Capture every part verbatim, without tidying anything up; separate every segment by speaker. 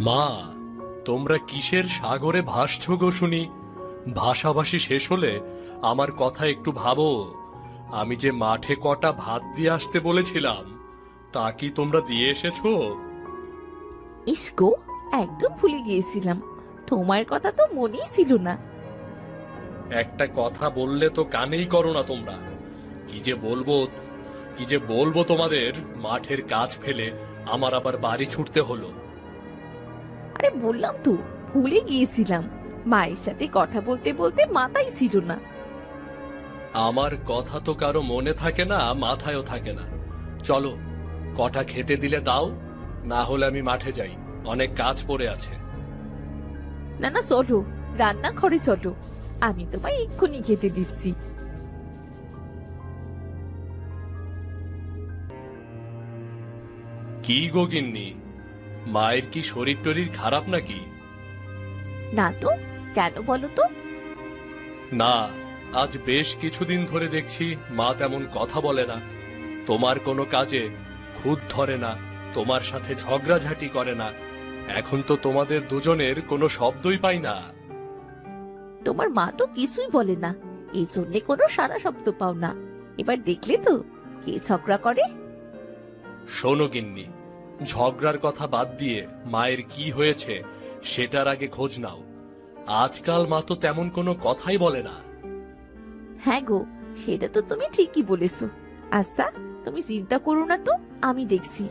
Speaker 1: মা, তোমরা কিসের সাগরে ভাসছ গো শুনি? ভাষাভাষী শেষ হলে আমার কথা একটু ভাবো। আমি যে মাঠে কটা ভাত দিয়ে আসতে বলেছিলাম, তা কি তোমরা দিয়ে এসেছো?
Speaker 2: ইসকো, একদম ভুলে গিয়েছিলাম। তোমার কথা তো মনেই ছিল না।
Speaker 1: একটা কথা বললে তো কানেই করো না তোমরা। কি যে বলবো কি যে বলবো তোমাদের, মাঠের কাজ ফেলে আমার আবার বাড়ি ছুটতে হলো।
Speaker 2: আরে বললাম তো, ভুলে গিয়েছিলাম। মায়ের সাথে কথা বলতে বলতে মাথায় ছিল না।
Speaker 1: আমার কথা তো কারো মনে থাকে না, মাথায়ও থাকে না। চলো, কটা খেতে দিলে দাও, না হলে আমি মাঠে যাই, অনেক কাজ পড়ে আছে।
Speaker 2: না না, চলো, রান্নাঘরে চলো, আমি তোমায় এক্ষুনি খেতে দিচ্ছি।
Speaker 1: কি গো গিন্নি, মায়ের কি শরীর টরীর খারাপ নাকি?
Speaker 2: না তো, কেন বলো তো?
Speaker 1: না, আজ বেশ কিছুদিন ধরে দেখছি মা তেমন কথা বলে না, তোমার কোনো কাজে খুদ ধরে না, তোমার সাথে ঝগড়াঝাটি করে না। এখন তো তোমাদের দুজনের কোনো শব্দই পাই না।
Speaker 2: তোমার মা তো কিছুই বলে না, এই জন্যে কোনো সারা শব্দ পাও না। এবার দেখলে তো কে ঝগড়া করে।
Speaker 1: শোনো গিন্নি, ঝগড়ার কথা বাদ দিয়ে মায়ের কি হয়েছে সেটার আগে খোঁজ নাও। আজকাল মা তো তেমন কোনো কথাই বলে না।
Speaker 2: হ্যাঁ গো, সেটা তো তুমি ঠিকই বলেছো। আচ্ছা, তুমি চিন্তা করো না তো, আমি দেখছি।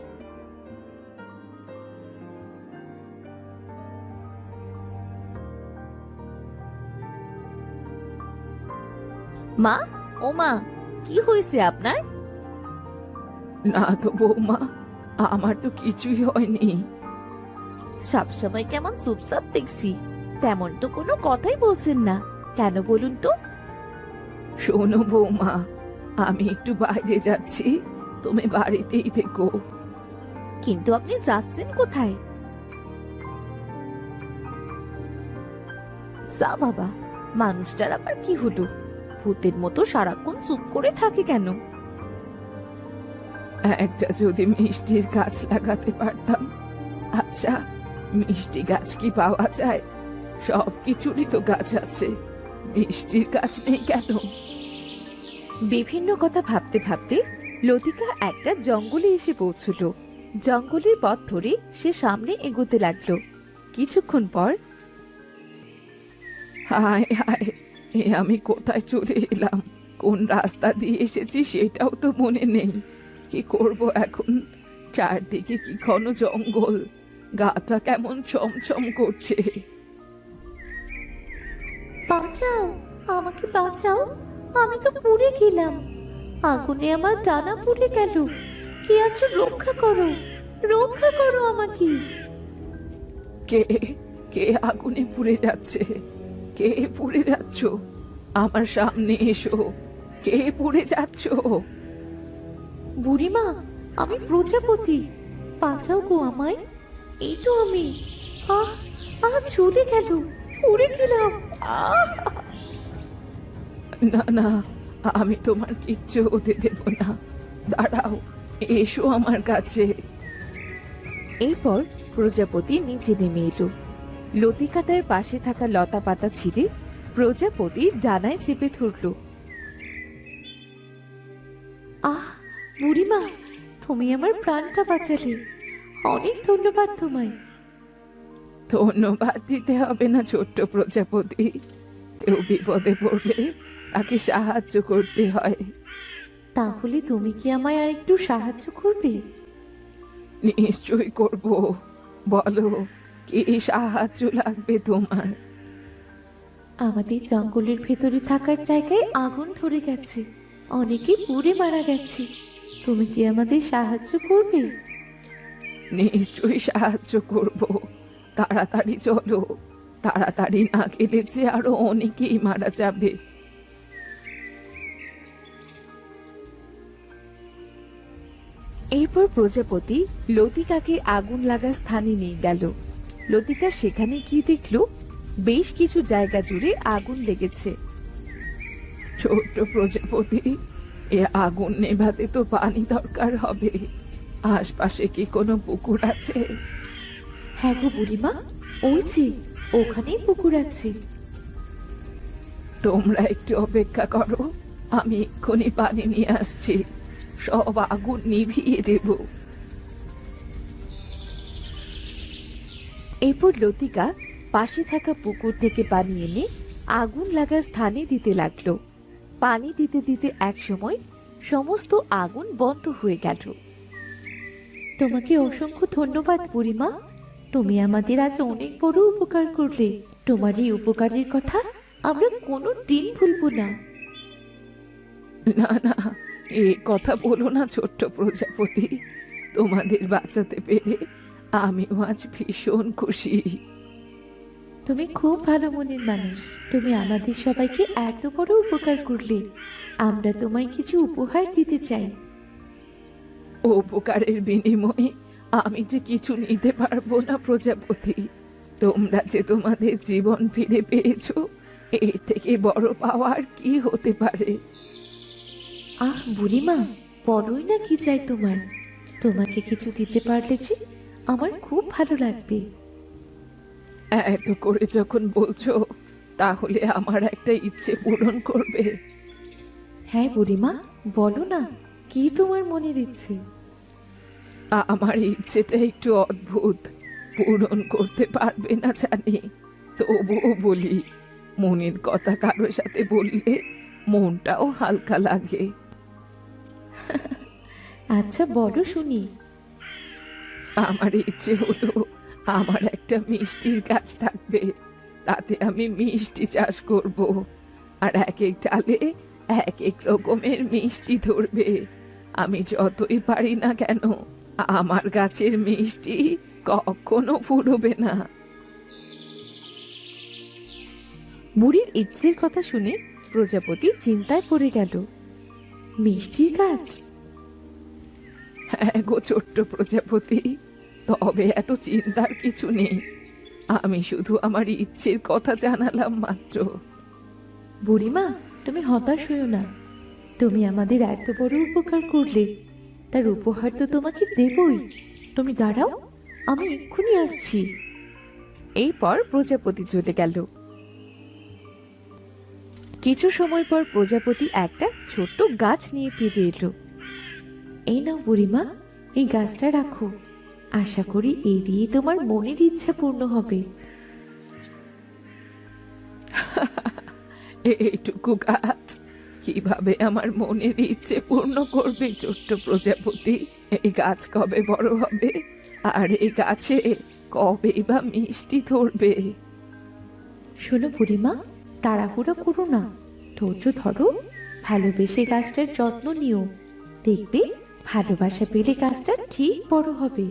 Speaker 2: মা, ও মা, কি হয়েছে আপনার?
Speaker 3: না তো বৌমা, আমার তো কিছুই হয়নি।
Speaker 2: সবসময় কেমন চুপচাপ দেখছি, তেমন তো কোনো কথাই বলছেন না, কেন বলুন তো?
Speaker 3: শোনো বৌমা, আমি একটু বাইরে যাচ্ছি, তুমি বাড়িতেই থেকো।
Speaker 2: কিন্তু আপনি যাচ্ছেন কোথায়? যা বাবা, মানুষটার আবার কি হলো? ভূতের মতো সারাক্ষণ চুপ করে থাকে কেন?
Speaker 3: একটা যদি মিষ্টির গাছ লাগাতে পারতাম। আচ্ছা, মিষ্টি গাছ কি পাওয়া যায়? সব কিছুরই তো গাছ আছে, মিষ্টির গাছ নেই কেন?
Speaker 2: বিভিন্ন কথা ভাবতে ভাবতে লতিকা একটা জঙ্গলে এসে পৌঁছলো। জঙ্গলের পথ ধরে সে সামনে এগোতে লাগলো। কিছুক্ষণ পর,
Speaker 3: হায় হায়, এ আমি কোথায় চলে এলাম? কোন রাস্তা দিয়ে এসেছি সেটাও তো মনে নেই। কি করব এখন? চারদিকে কি ঘন জঙ্গল, গাটা কেমন চমচম করছে।
Speaker 2: বাঁচাও, আমাকে বাঁচাও, আমি তো পুড়ে গেলাম, আগুনে আমার ডানা পুড়ে গেল। কে আছো, রক্ষা করো, রক্ষা করো আমাকে।
Speaker 3: কে কে আগুনে পুড়ে যাচ্ছে? কে পুড়ে যাচ্ছ? আমার সামনে এসো, কে পুড়ে যাচ্ছ?
Speaker 2: বুড়িমা, আমি প্রজাপতি, বাঁচাও গো আমায়। এই তো আমি। আহ আহ চলে গেল, পুড়ে গেলাম। আহ
Speaker 3: না না, আমি তোমার কিচ্ছু হতে দেব না। দাঁড়াও, এসো আমার কাছে।
Speaker 2: এরপর প্রজাপতি নিচে নেমে এলো। লতিকা তার পাশে থাকা লতা পাতা ছিঁড়ে প্রজাপতি ডানায় চেপে ধরল। আহ বুড়িমা, তুমি আমার প্রাণটা বাঁচালে, অনেক ধন্যবাদ তোমায়।
Speaker 3: ধন্যবাদ দিতে হবে না ছোট্ট প্রজাপতি, কেউ বিপদে পড়লে তাকে সাহায্য করতে হয়।
Speaker 2: তাহলে তুমি কি আমায় আর একটু সাহায্য করবে?
Speaker 3: নিশ্চয়ই করব, বলো কি সাহায্য লাগবে তোমার?
Speaker 2: আমাদের জঙ্গলের ভেতরে থাকার জায়গায় আগুন ধরে গেছে, অনেকে পুড়ে মারা গেছে, তুমি কি আমাদের সাহায্য করবে?
Speaker 3: নিশ্চয়ই সাহায্য করব, তাড়াতাড়ি চলো, তাড়াতাড়ি না গেলে যে আরো অনেকেই মারা যাবে।
Speaker 2: এরপর প্রজাপতি লতিকাকে আগুন লাগা স্থানে নিয়ে গেল। লতিকা সেখানে গিয়ে দেখল বেশ কিছু জায়গা জুড়ে আগুন লেগেছে।
Speaker 3: ছোট্ট প্রজাপতি, এ আগুন নেভাতে তো পানি দরকার হবে। আশপাশে কি কোনো পুকুর আছে?
Speaker 2: হ্যাঁ গো বুড়িমা, ওই যে ওখানেই পুকুর আছে।
Speaker 3: তোমরা একটু অপেক্ষা করো, আমি এক্ষুনি পানি নিয়ে আসছি, সব আগুন নিভিয়ে দেব।
Speaker 2: এরপর লতিকা পাশে থাকা পুকুর থেকে পানি এনে আগুন লাগা স্থানে দিতে লাগলো। পানি দিতে দিতে এক সময় সমস্ত আগুন বন্ধ হয়ে গেল। তোমাকে অসংখ্য ধন্যবাদ বুড়িমা, তুমি আমাদের আজ অনেক বড় উপকার করলে। তোমার এই উপকারের কথা আমরা কোনো দিন ভুলবো না।
Speaker 3: না না, এ কথা বলো না ছোট্ট প্রজাপতি, তোমাদের বাঁচাতে পেরে আমিও আজ ভীষণ খুশি।
Speaker 2: তুমি খুব ভালো মনের মানুষ, তুমি আমাদের সবাইকে এত বড় উপকার করলে। আমরা তোমায় কিছু উপহার দিতে চাই।
Speaker 3: উপকারের বিনিময়ে আমি যে কিছু নিতে পারবো না প্রজাপতি, তোমরা যে তোমাদের জীবন ফিরে পেয়েছো, এর থেকে বড় পাওয়ার কি হতে পারে?
Speaker 2: আহ বুড়িমা, বলোই না কি চাই তোমার। তোমাকে কিছু দিতে পারলে যে আমার খুব ভালো লাগবে।
Speaker 3: এত করে যখন বলছো, তাহলে আমার একটা ইচ্ছে পূরণ করবে।
Speaker 2: হ্যাঁ বুড়িমা, বলো না, কি তোমার মনের ইচ্ছে?
Speaker 3: আমার ইচ্ছেটা একটু অদ্ভুত, পূরণ করতে পারবে না জানি, তবুও বলি। মনের কথা কারোর সাথে বললে মনটাও হালকা লাগে।
Speaker 2: আচ্ছা বলো শুনি।
Speaker 3: আমার ইচ্ছে হলো আমার একটা মিষ্টির গাছ থাকবে, তাতে আমি মিষ্টি চাষ করব, আর এক এক ডালে এক এক রকমের মিষ্টি ধরবে। আমি যতই পারি না কেন, আমার গাছের মিষ্টি কখনো ফুরবে না।
Speaker 2: বুড়ির ইচ্ছের কথা শুনে প্রজাপতি চিন্তায় পড়ে গেল। মিষ্টির গাছ?
Speaker 3: হ্যাঁ গো ছোট্ট প্রজাপতি, তবে এত চিন্তার কিছু নেই, আমি শুধু আমার ইচ্ছের কথা জানালাম মাত্র।
Speaker 2: বুড়িমা, তুমি হতাশ হইও না। তুমি আমাদের এত বড় উপকার করলে, তার উপহার তো তোমাকে দেবই। তুমি দাঁড়াও, আমি এক্ষুনি আসছি।
Speaker 3: এরপর প্রজাপতি চলে গেল।
Speaker 2: কিছু সময় পর প্রজাপতি একটা ছোট্ট গাছ নিয়ে ফিরে এলো। এই নাও বুড়িমা, এই গাছটা রাখো। আশা করি এই দিয়ে তোমার মনের ইচ্ছা পূর্ণ হবে।
Speaker 3: এইটুকু গাছ কিভাবে আমার মনের ইচ্ছে পূর্ণ করবে ছোট্ট প্রজাপতি? এই গাছ কবে বড় হবে, আর এই গাছে কবে বা মিষ্টি ধরবে?
Speaker 2: শোনো বুড়িমা, তাড়াহুড়ো করো না, ধৈর্য ধরো, ভালোবেসে গাছটার যত্ন নিও। দেখবে ভালোবাসা পেলে গাছটা ঠিক বড় হবে।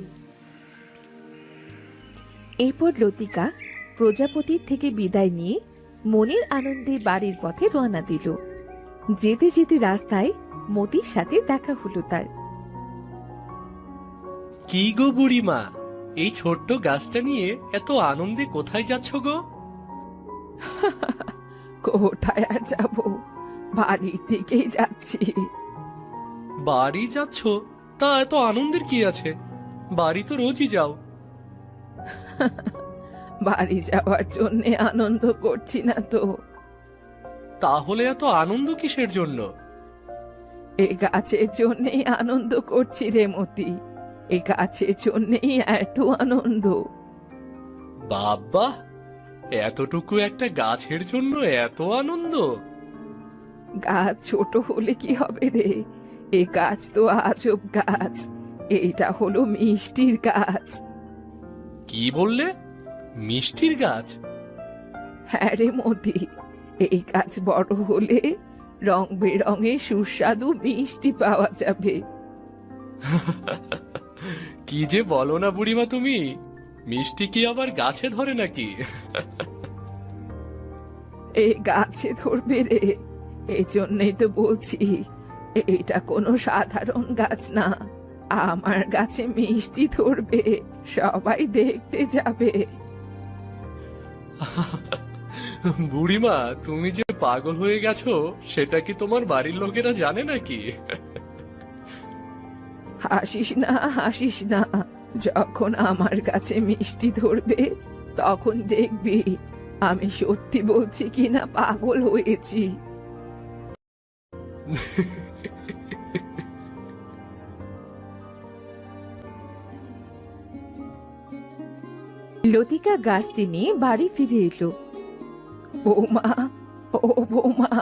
Speaker 3: এরপর লতিকা প্রজাপতির থেকে বিদায় নিয়ে মনের আনন্দে বাড়ির পথে রওনা দিল। যেতে যেতে রাস্তায় মতির সাথে দেখা হলো তার।
Speaker 1: কি গো বুড়িমা, এই ছোট্ট গাছটা নিয়ে এত আনন্দে কোথায় যাচ্ছ গো?
Speaker 3: কোথায় আর যাব, বাড়ির দিকেই যাচ্ছি।
Speaker 1: বাড়ি যাচ্ছ? তা এত আনন্দের কি আছে? বাড়ি তো রোজই যাও।
Speaker 3: বাড়ি যাওয়ার জন্য আনন্দ করছি না তো।
Speaker 1: তাহলে এত আনন্দ কিসের জন্য?
Speaker 3: এ গাছের জন্যই আনন্দ করছি রে মতি, এ গাছের জন্যই এত আনন্দ।
Speaker 1: বাবা, এতটুকু একটা গাছের জন্য এত আনন্দ?
Speaker 3: গাছ ছোট হলে কি হবে রে, এ গাছ তো আজব গাছ, এটা হলো মিষ্টির গাছ।
Speaker 1: কি বললে? মিষ্টির গাছ?
Speaker 3: হ্যাঁ রে মতি, এই গাছ বড় হলে রং বেরঙের সুস্বাদু মিষ্টি পাওয়া যাবে।
Speaker 1: কি যে বলো না বুড়িমা তুমি, মিষ্টি কি আবার গাছে ধরে নাকি?
Speaker 3: এ গাছে ধরবে রে, এই জন্যই তো বলছি, এটা কোনো সাধারণ গাছ না। আমার গাছে মিষ্টি ধরবে, সবাই দেখতে যাবে।
Speaker 1: বুড়িমা, তুমি যে পাগল হয়ে গেছো সেটা কি তোমার বাড়ির লোকেরা জানে নাকি?
Speaker 3: হাসিস না, হাসিস না, যখন আমার কাছে মিষ্টি ধরবে তখন দেখবি আমি সত্যি বলছি কিনা পাগল হয়েছি।
Speaker 2: লতিকা গাছটি নিয়ে বাড়ি ফিরে এলো।
Speaker 3: বৌমা, ও বৌমা,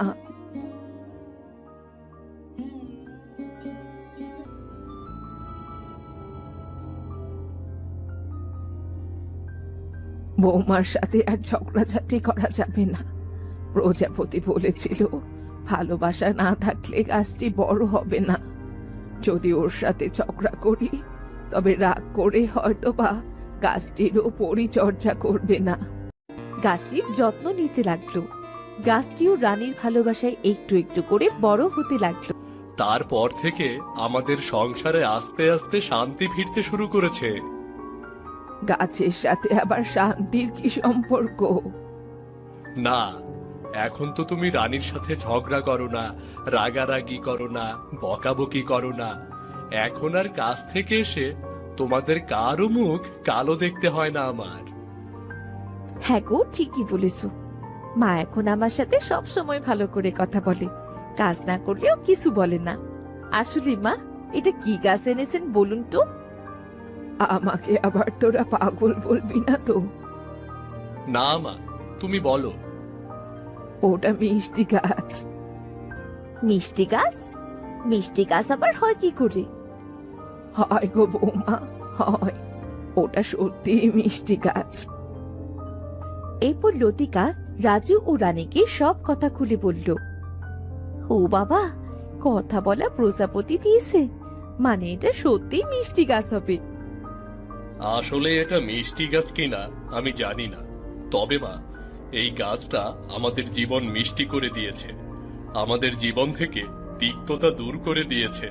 Speaker 3: বৌমার সাথে আর ঝগড়াঝাটি করা যাবে না। প্রজাপতি বলেছিল ভালোবাসা না থাকলে গাছটি বড় হবে না। যদি ওর সাথে ঝগড়া করি তবে রাগ করে হয়তো বা গাছটিরও পরিচর্যা করবে না।
Speaker 2: গাছটির যত্ন নিতে লাগলো। গাছটিও রানীর ভালোবাসায় একটু একটু করে বড় হতে লাগলো।
Speaker 1: তারপর থেকে আমাদের সংসারে আস্তে আস্তে শান্তি ফিরতে শুরু করেছে।
Speaker 3: গাছের সাথে আবার শান্তির কি সম্পর্ক?
Speaker 1: না, এখন তো তুমি রানীর সাথে ঝগড়া করো না, রাগারাগি করো না, বকাবকি করো না। এখন আর কাছ থেকে এসে তোমাদের কারো মুখ কালো দেখতে হয় না আমার।
Speaker 2: হ্যাঁ গো, ঠিকই বলেছ। মা এখন আমার সাথে সব সময় ভালো করে কথা বলে, কাজ না করলেও কিছু বলে না। আসলে মা, এটা কি গাছ এনেছেন বলুন তো?
Speaker 3: আমাকে আবার তোরা পাগল বলবি না তো?
Speaker 1: না মা, তুমি বলো।
Speaker 3: ওটা মিষ্টি গাছ।
Speaker 2: মিষ্টি গাছ? মিষ্টি গাছ আবার হয় কি করে?
Speaker 3: হয় গো বৌমা, হয়। ওটা সত্যি মিষ্টি গাছ।
Speaker 2: এরপর লতিকা রাজু ও রানীকে সব কথা খুলে বলল। ও বাবা, কথা বলা প্রজাপতি দিয়েছে, মানে এটা সত্যি মিষ্টি গাছ হবে।
Speaker 1: আসলে এটা মিষ্টি গাছ কিনা আমি জানি না, তবে মা, এই গাছটা আমাদের জীবন মিষ্টি করে দিয়েছে, আমাদের জীবন থেকে তিক্ততা দূর করে দিয়েছে।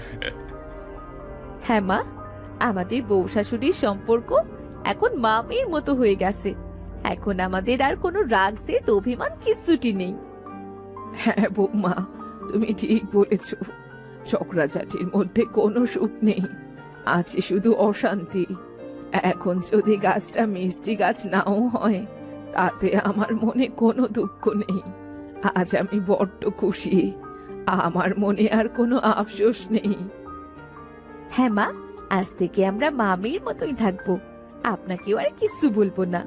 Speaker 2: হ্যাঁ মা, আমাদের বউ শাশুড়ির সম্পর্ক এখন মা মেয়ের মতো হয়ে গেছে। এখন আমাদের আর কোনো রাগ জেদ অভিমান কিচ্ছুটি নেই।
Speaker 3: হ্যাঁ বৌমা, তুমি ঠিক বলেছ। ঝগড়াঝাটির মধ্যে কোনো সুখ নেই, আছে শুধু অশান্তি। এখন যদি গাছটা মিষ্টি গাছ নাও হয় তাতে আমার মনে কোনো দুঃখ নেই। আজ আমি বড্ড খুশি, আমার মনে আর কোনো আফসোস নেই।
Speaker 2: হ্যাঁ মা, আজ থেকে আমরা মা মেয়ের মতোই থাকবো, আপনাকেও আর কিচ্ছু বলবো না।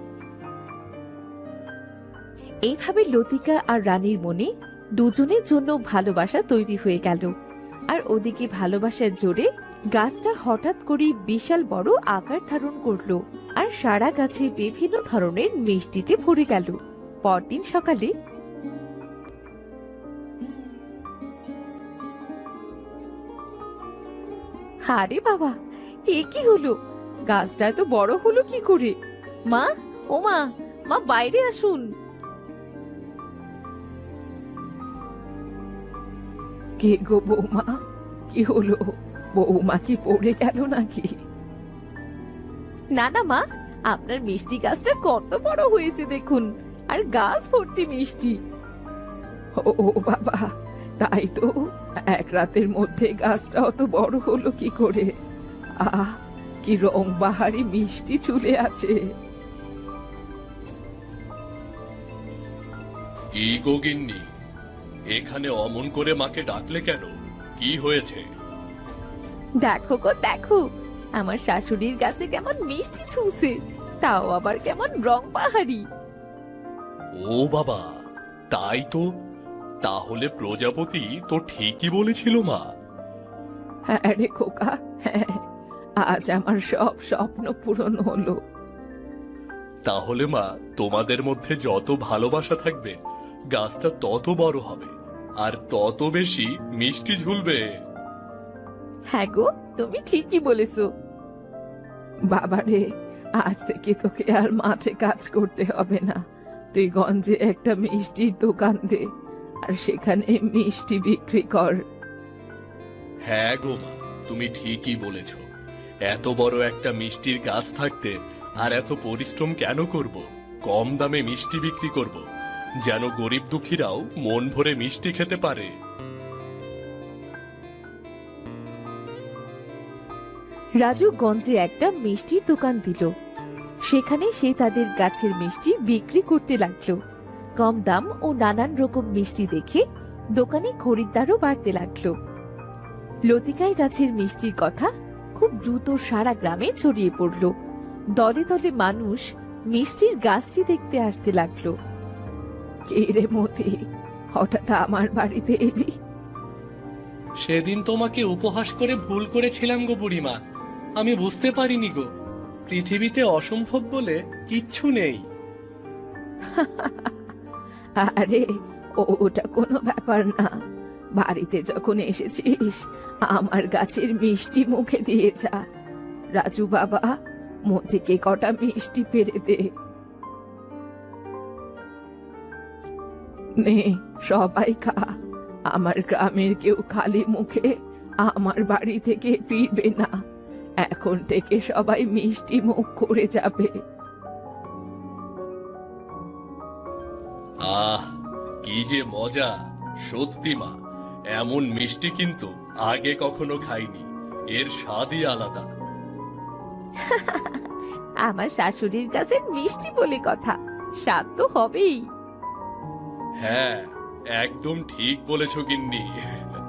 Speaker 2: এইভাবে লতিকা আর রানীর মনে দুজনের জন্য ভালোবাসা তৈরি হয়ে গেল। আর ওদিকে ভালোবাসার জোরে গাছটা হঠাৎ করে বিশাল বড় আকার ধারণ করলো আর সারা গাছে বিভিন্ন ধরনের মিষ্টিতে ভরে গেল। পরদিন সকালে আরে বাবা, এ কি হলো? গাছটা এত বড় হলো কি করে? মা, ও মা, মা বাইরে আসুন।
Speaker 3: কে গো বৌমা, কি হলো? বৌমা কি পড়ে গেল নাকি?
Speaker 2: না না মা, আপনার মিষ্টি গাছটা কত বড় হয়েছে দেখুন, আর গাছ ভর্তি মিষ্টি।
Speaker 3: ও ও বাবা, তাই তো। এক রাতের মধ্যে গাছটা অত বড় হলো কি করে? আহ, কি রং বাহারি মিষ্টি চুলে আছে।
Speaker 1: কি গো গিন্নি, এখানে অমন করে মাকে ডাকলে কেন? কি হয়েছে?
Speaker 2: দেখো গো দেখো, আমার শাশুড়ির গাছে কেমন মিষ্টি ছুঁছে, তাও আবার কেমন রং বাহারি।
Speaker 1: ও বাবা, তাই তো। তাহলে প্রজাপতি তো ঠিকই বলেছিল মা।
Speaker 3: হ্যাঁ রে খোকা, হ্যাঁ, আজ আমার সব স্বপ্ন পূরণ হলো।
Speaker 1: তাহলে মা, তোমাদের মধ্যে যত ভালোবাসা থাকবে গাছটা তত বড় হবে আর তত বেশি মিষ্টি ঝুলবে।
Speaker 2: হ্যাঁ গো, তুমি ঠিকই বলেছো।
Speaker 3: বাবারে, আজ থেকে তোকে আর মাঠে কাজ করতে হবে না। তুই গঞ্জে একটা মিষ্টির দোকান দে আর সেখানে মিষ্টি বিক্রি কর।
Speaker 1: হ্যাঁ গো মা, তুমি ঠিকই বলেছ। এত বড় একটা মিষ্টির গাছ থাকতে আর এত পরিশ্রম কেন করব? কম দামে মিষ্টি বিক্রি করব, যেন গরিব দুঃখীরাও মন ভরে মিষ্টি খেতে পারে।
Speaker 2: রাজু গঞ্জে একটা মিষ্টির দোকান দিল। সেখানে সে তাদের গাছের মিষ্টি বিক্রি করতে লাগলো। কম দাম ও নানান রকম মিষ্টি দেখে দোকানে খরিদ্দারও বাড়তে লাগলো। লতিকার গাছের মিষ্টির কথা খুব দ্রুত সারা গ্রামে ছড়িয়ে পড়ল। দলে দলে মানুষ মিষ্টির গাছটি দেখতে আসতে লাগলো।
Speaker 3: কে রে মতি, হঠাৎ আমার বাড়িতে এলি?
Speaker 1: সেদিন তোমাকে উপহাস করে ভুল করেছিলাম গো বুড়িমা। আমি বুঝতে পারিনি গো, পৃথিবীতে অসম্ভব বলে কিচ্ছু নেই।
Speaker 3: আরে ও- ওটা কোনো ব্যাপার না। বাড়িতে যখন এসেছিস আমার গাছের মিষ্টি মুখে দিয়ে যা। রাজু বাবা, মতিকে কটা মিষ্টি পেরে দে। নে সবাই খা। আমার গ্রামের কেউ খালি মুখে আমার বাড়ি থেকে ফিরবে না। এখন থেকে সবাই মিষ্টি মুখ করে যাবে।
Speaker 1: আহ, কি যে মজা! সত্যি মা, এমন মিষ্টি কিন্তু আগে কখনো খাইনি। এর স্বাদই আলাদা।
Speaker 2: আমার শাশুড়ির গাছের মিষ্টি বলে কথা, স্বাদ তো হবেই।
Speaker 1: হ্যাঁ, একদম ঠিক বলেছ গিন্নি।